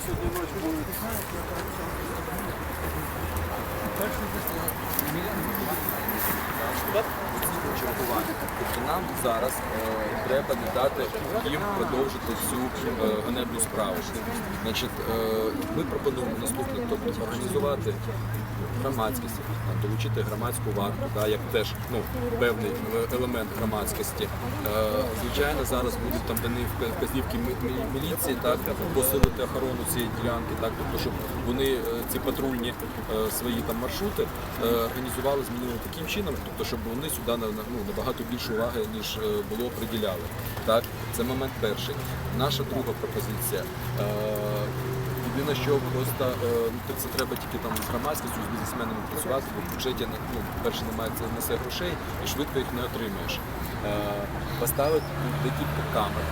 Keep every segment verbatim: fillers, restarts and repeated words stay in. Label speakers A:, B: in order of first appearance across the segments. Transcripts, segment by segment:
A: Тобто нам зараз е, треба не дати їм продовжити цю е, ганебну справу. Значить, е, ми пропонуємо наступне, тобто організувати громадськість, там, долучити громадську варту, да, як теж ну, певний елемент громадськості. Е, звичайно, зараз будуть там дані вказівки міліції, так, посилити охорону цієї ділянки, так, тобто, щоб вони ці патрульні е, свої там маршрути е, організували, змінили таким чином, тобто, щоб вони сюди ну, набагато більше уваги, ніж е, було, приділяли. Так, це момент перший. Наша друга пропозиція. Е, Єдине, що просто ну, це треба тільки там з громадськістю, з бізнесменами працювати, бо в бюджеті ну, перше немає це несе грошей і швидко їх не отримаєш. Е, поставити декілька камер,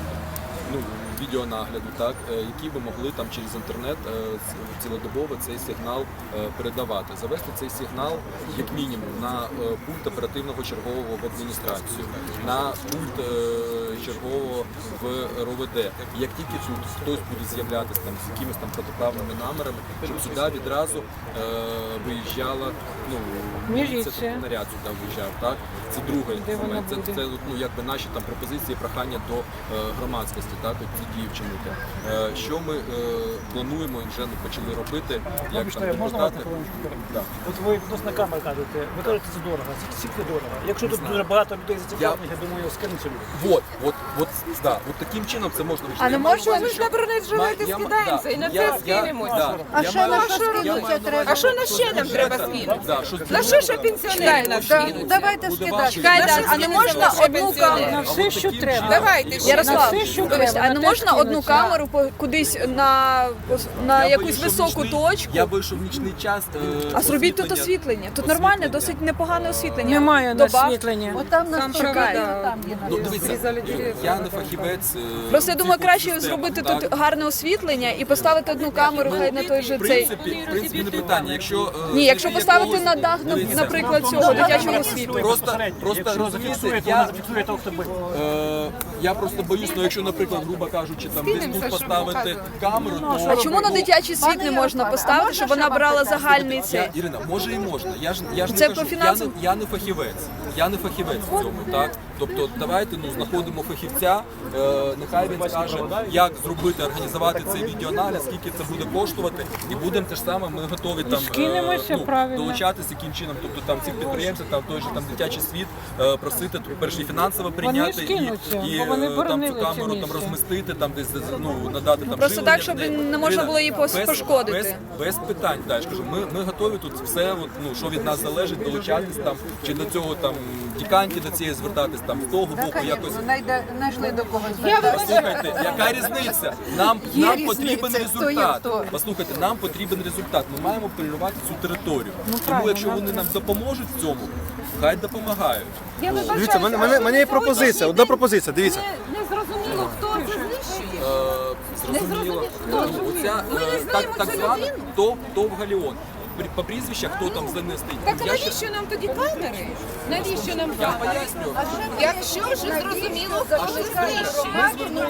A: ну, відеонагляду, так, які би могли там через інтернет е, цілодобово цей сигнал е, передавати. Завести цей сигнал, як мінімум, на е, пульт оперативного чергового в адміністрацію, на пульт е, чергового в РО В Д. Як тільки тут хтось буде з'являтися там з якимись там протиправними намірами, щоб сюди відразу е, виїжджала, ну, міліція, наряд сюди виїжджав, так? Це другий момент. Це, це ну, якби наші там пропозиції, прохання до е, громадськості, так, от ці дії вчинити. Е, що ми е, плануємо і вже не почали робити, як там депутати.
B: Да. От ви відносно камер кажете, ви кажете, це дорого, скільки дорого. Якщо тут дуже багато людей зацікавлених, я думаю, скинуться люди.
A: От, от, от, да, от таким чином це можна вирішити.
C: А не можна
D: Ми ж на бронежилети скидаємося і на це скинемося.
C: А що на що скинуться треба?
D: А що на ще нам треба скинути?
A: Да, що
D: На що ще пенсіонери нам скинуть?
C: Давайте скидати.
D: Чекайте,
C: А не можна одну камеру?
B: На все, що треба.
D: Давайте ще.
C: Ярослав,
B: все, що
C: вибачте,
B: треба,
C: а не
B: на те
C: можна одну
B: скинуться.
C: камеру по- кудись на, на
A: Я
C: якусь
A: вийшов
C: високу
A: нічний-
C: точку?
A: Я вийшов в нічний час. е,
C: А зробіть тут
A: освітлення.
C: освітлення. Тут нормальне, досить непогане освітлення.
B: Немає
C: Добав.
B: освітлення.
C: Отам нас чекає.
A: Ну, дивіться, я не фахівець. е,
C: Просто я думаю,
A: цих
C: краще
A: систем,
C: зробити
A: так?
C: тут гарне освітлення і поставити одну камеру, хай на той же
A: В
C: цей.
A: принципі, в принципі, не питання. Якщо, е,
C: Ні, якщо
A: знайти
C: поставити
A: якогось-
C: на дах, на-
A: Дивіться,
C: наприклад, цього дитячого світу.
A: Просто, просто
B: Якщо
A: розумієте,
B: зафіксує, то
A: я,
B: вона зафіксує того, хто бить.
A: е, я просто боюсь, ну якщо, наприклад, грубо кажучи, там десь тут поставити камеру, то...
C: А чому на дитячий світ не можна поставити, щоб вона брала загальний
A: Я,
C: цей?
A: Ірина, може і можна. Я ж я ж
C: Це
A: не
C: по
A: кажу, я
C: фінансам?
A: не, я не фахівець. Я не фахівець в цьому, так? Тобто давайте ну знаходимо фахівця, е, нехай він скаже, як зробити, організувати цей відеонагляд, скільки це буде коштувати, і будемо те ж саме. Ми готові там
B: скинемося, правильно.
A: долучатися яким чином. Тобто там цих підприємців, там той же там дитячий світ, е, просити тут перше і фінансово прийняти і,
B: скинуться,
A: і
B: бо вони
A: е, там
B: боронили
A: цю
B: це
A: камеру там
B: місце.
A: розмістити, там десь ну надати там
C: Просто
A: живлення
C: так, щоб
A: в неї.
C: не можна
A: Ірина,
C: було її пос-
A: без-
C: пошкодити.
A: Без, без питань, да, я ж кажу, ми, ми готові тут все, от, ну, що від нас залежить, долучатись там, чи до цього там діканті до цієї звертатись, там з того боку якось.
C: Знайшли до когось.
A: Послухайте, яка різниця? Нам, нам потрібен
C: різниця, хто є
A: результат.
C: хто.
A: Послухайте, нам потрібен результат. Ми маємо полювати цю територію. Тому якщо вони нам допоможуть в цьому, хай допомагають.
E: Дивіться, в мене, мене, мене є пропозиція, одна пропозиція, дивіться.
D: Не зрозуміло, хто це знищує.
A: Е, Зрозуміло. Ну, оця, е, так, так звана ТОВ, ТОВ Галіон. При- По прізвищах, хто там за не стоїть.
D: Так а
A: Я ще-
D: навіщо нам тоді камери? Навіщо нам
A: Я
D: камери?
A: поясню.
D: Якщо вже зрозуміло, хто ж знищує.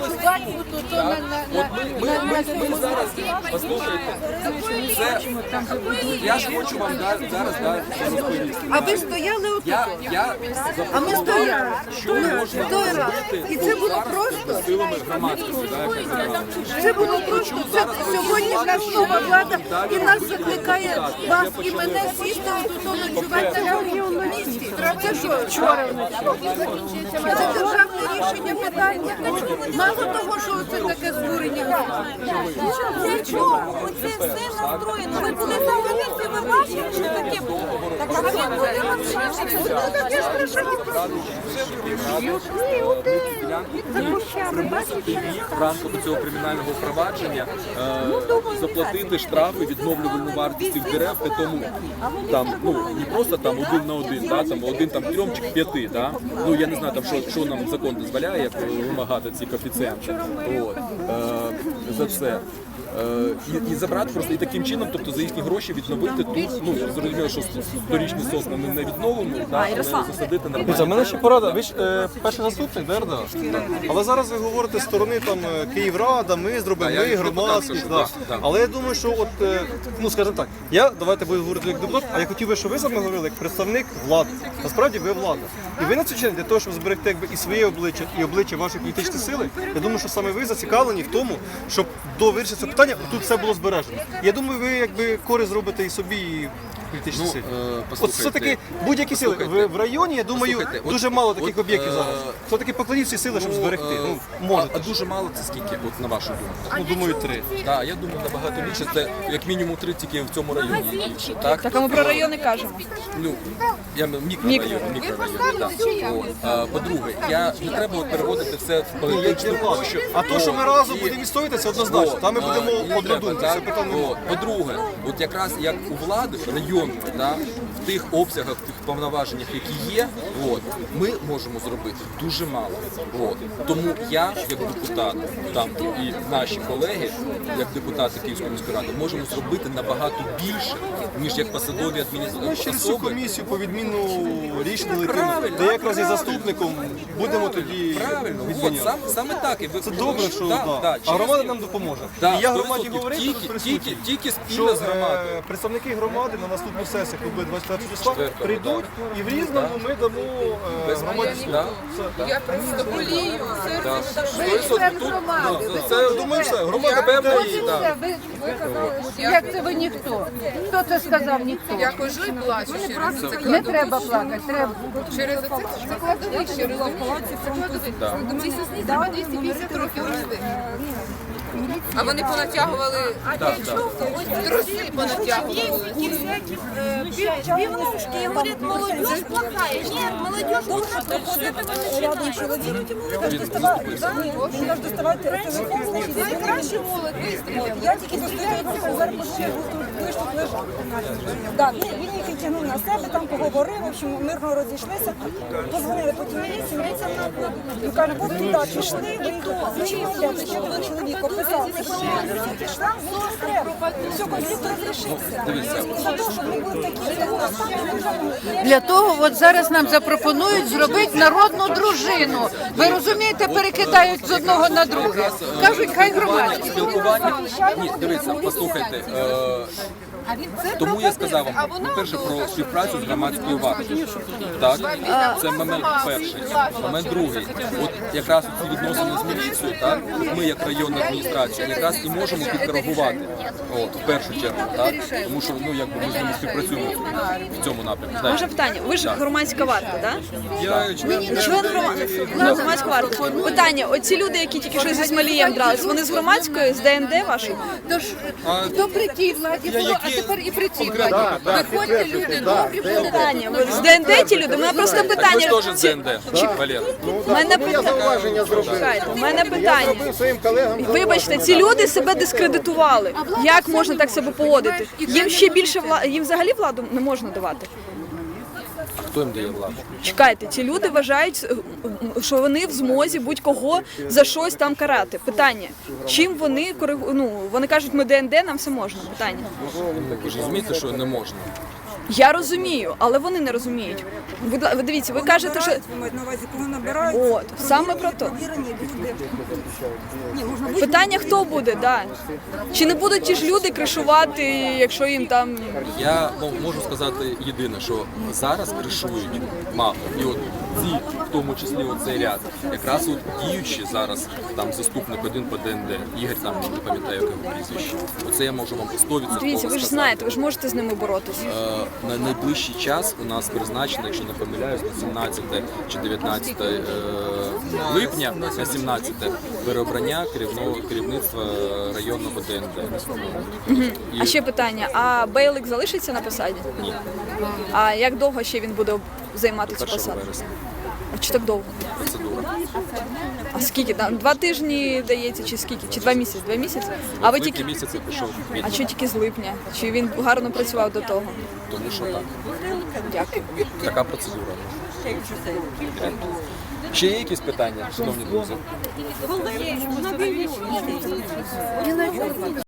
A: От ми, ми, ми, ми зараз, послухайте, це, я ж хочу вам да- зараз да, це розповісти.
C: А ви стояли отут?
A: Я, я
C: А ми стояли.
A: що можна
C: Той раз.
A: зробити
C: І це було
A: зараз
C: просто.
A: силами громадськості, да, яка зібрала.
C: Це було просто. Це сьогодні наша нова влада і нас закликає вас і мене сісти тут ночувати на цьому місці. Це що, вчора вночі? Це державне рішення питання. Мало того, що це таке збурення.
D: Для чого? Оце все настроєно. Ви були на вулиці, ви бачили, що таке було? Так а ви були
A: В рамках цього кримінального провадження е, заплатити штрафи, відновлювальну вартість цих дерев, при тому там ну не просто там один на один, да, там один там трьом чи п'яти, да. Ну я не знаю там що, що нам закон дозволяє, як вимагати ці коефіцієнти. От е, за це. Е, І, і забрати просто і таким чином, тобто за їхні гроші відновити тут, ну зрозуміло, що сторічні сосни ми не відновимо, да, але засадити
E: Дивіться, в
A: нормально.
E: мене ще порада. Ви ж е, перший заступник, да, Ердоган? Але зараз ви говорите з сторони там е, Київрада, ми зробимо,
A: Да, я
E: ми
A: як депутат
E: громадськість.
A: кажу,
E: Да.
A: да, да.
E: Але я думаю, що от, е, ну скажімо так, я, давайте буду говорити як депутат, а я хотів би, щоб ви саме говорили як представник влади. Насправді ви влада. І ви на цю час для того, щоб зберегти якби, і своє обличчя, і обличчя вашої політичної сили, я думаю, що саме ви зацікавлені в тому, щоб до вирішення цього питання тут все було збережено. Я думаю, ви якби користь зробите і собі, і політичній
A: Ну,
E: силі.
A: е,
E: От
A: послухайте,
E: все-таки будь-які сили.
A: послухайте.
E: В, в районі, я думаю,
A: Послухайте, от-
E: дуже мало таких
A: от,
E: об'єктів
A: е,
E: зараз. Все-таки покладіть всі сили, щоб зберегти.
A: е,
E: Ну,
A: а,
E: можете.
A: а дуже мало це скільки, от на вашу думку?
E: Ну, думаю, три.
A: Так, я думаю, набагато більше. Це як мінімум три тільки в цьому районі. Так,
F: Так, а ми про райони кажемо.
A: ну я мікрорайон, мікрорайон. Так. От. А, по-друге, я не треба от переводити все в політичну площу.
E: А то, що ми разом
A: І-
E: будемо відстоювати, це однозначно. Там ми
A: О,
E: будемо
A: а, не
E: однодумці.
A: треба,
E: Це
A: так?
E: питання.
A: От. По-друге, от якраз як у влади районної, да, в тих обсягах, в тих повноваженнях, які є, от, ми можемо зробити дуже мало. От. Тому я, як депутат, там і наші колеги, як депутати Київської міської ради, можемо зробити набагато більше, ніж як посадові
E: Ми
A: адміністрації
E: через цю
A: особи.
E: комісію по відміну рішення летимо,
A: Правильно.
E: де якраз із заступником будемо тоді
A: Правильно, от,
E: відміняти.
A: сам, саме так. І ви,
E: Це добре, що
A: да,
E: да.
A: да,
E: а
A: через-
E: громада нам допоможе.
A: Да,
E: І я
A: сто
E: громаді
A: відсотків.
E: говорив,
A: тільки,
E: тут присутні,
A: тільки, тільки
E: що
A: спільно з громадою.
E: е, представники громади на наступну сесію, яка буде двадцять п'ятого числа,
A: Четвертого,
E: прийдуть і в Різному ми дамо е, громаді
A: Да?
E: слово.
C: Я просто болію.
A: Да.
C: Ви
A: сто відсотків
C: член
A: тут,
C: громади.
A: да, це, думаю, все, громада певна і, да.
C: Все, ви, ви казали, як це ви ніхто? Хто це сказав ніхто? Я хожу і плачу через це. Не треба плакати, треба. Через це це кладовище, через це двісті п'ятдесят років рости. А вони понатягували, труси понатягували.
D: Пивнушки, и говорит, молодежь плохая. Нет, молодежь должна проходить
F: Рядом чоловік, каже, доставай, він каже, доставайте телефон, значить, я
C: Найкраще молодь вистояла.
F: Я тільки достаю, я зараз пошли, той ж тут лежав. Да, він, він їх відтягнув на себе, там поговорив, в общем, мирно розійшлися. Позвонили потім міліцію, міліція на він каже, от туди пішли, виїхали, зачем йдете, що ви чоловік описав, це пішла, все треба, все, конфлікт розрішився. За те, що ми були такі, таку останню.
C: Для того от зараз нам запропонують зробити народну дружину. Ви розумієте, перекидають з одного на друге. Кажуть, хай громадські.
A: Спілкування. Ні, дивіться, послухайте. Е, тому я сказав вам, по-перше, про співпрацю з громадською вартою. Так? Це момент перший. Момент другий. От якраз ці відносини з міліцією, так? Ми, як районна адміністрація, якраз і можемо підкоригувати. От, в першу чергу, так? Тому що ну, якби ми з ними співпрацюємо в цьому напрямку.
F: Може
A: Знаєте.
F: питання, ви ж громадська варта, так?
A: Я член
F: Член громадської ну, громадська варта. Питання, оці люди, які тільки що зі Смолієм дрались, вони з громадської, з ДНД вашої?
C: Тож хто при тій владі було, а тепер і при цій владі. Виходьте, люди, добрі були.
F: Питання, ви з ДНД ті люди? У мене просто
A: Так ви
F: питання.
A: ж теж з ДНД, Валер.
F: У мене питання. Чекайте, у мене питання. Вибачте, ці люди себе дискредитували. Як можна так себе поводити? Їм ще більше вла... їм взагалі владу не можна давати.
A: Хто їм дає владу?
F: Чекайте, ці люди вважають, що вони в змозі будь-кого за щось там карати. Питання, чим вони коригу... ну, вони кажуть, ми ДНД, нам все можна. Питання.
A: Ви ж розумієте, що не можна.
F: Я розумію, але вони не розуміють. Ви, ви дивіться, ви кажете, що
G: на увазі, кого набирають,
F: от саме про то.
G: вірені люди. Ні, можна бути
F: Питання, хто буде, да. Чи не будуть ті ж люди кришувати, якщо їм там
A: Я ну, можу сказати єдине, що зараз кришують мало. І от ці, в тому числі оцей ряд, якраз от діючі зараз там заступник один по ДНД, Ігор там не пам'ятаю його прізвище. Оце я можу вам сто відсотків
F: дивіться, ви ж
A: сказати.
F: знаєте, ви ж можете з ними боротися.
A: Е, На найближчий час у нас призначено, якщо не помиляюсь, на сімнадцяте чи дев'ятнадцяте е, липня, на сімнадцяте переобрання керівного керівництва районного ДНД. І-
F: А ще питання: а Бейлик залишиться на посаді?
A: Ні,
F: А як довго ще він буде займати цю
A: першого
F: посаду?
A: вересня.
F: А чи так довго?
A: Процедура.
F: А скільки там? Два тижні дається, чи скільки? Чи два місяці? Два місяці? А ви
A: В липні
F: тільки
A: місяці пішов
F: а
A: відповідь,
F: що тільки з липня? Чи він гарно працював до того?
A: тому що так.
F: Дякую.
A: Така процедура. Ще є якісь питання, шановні друзі?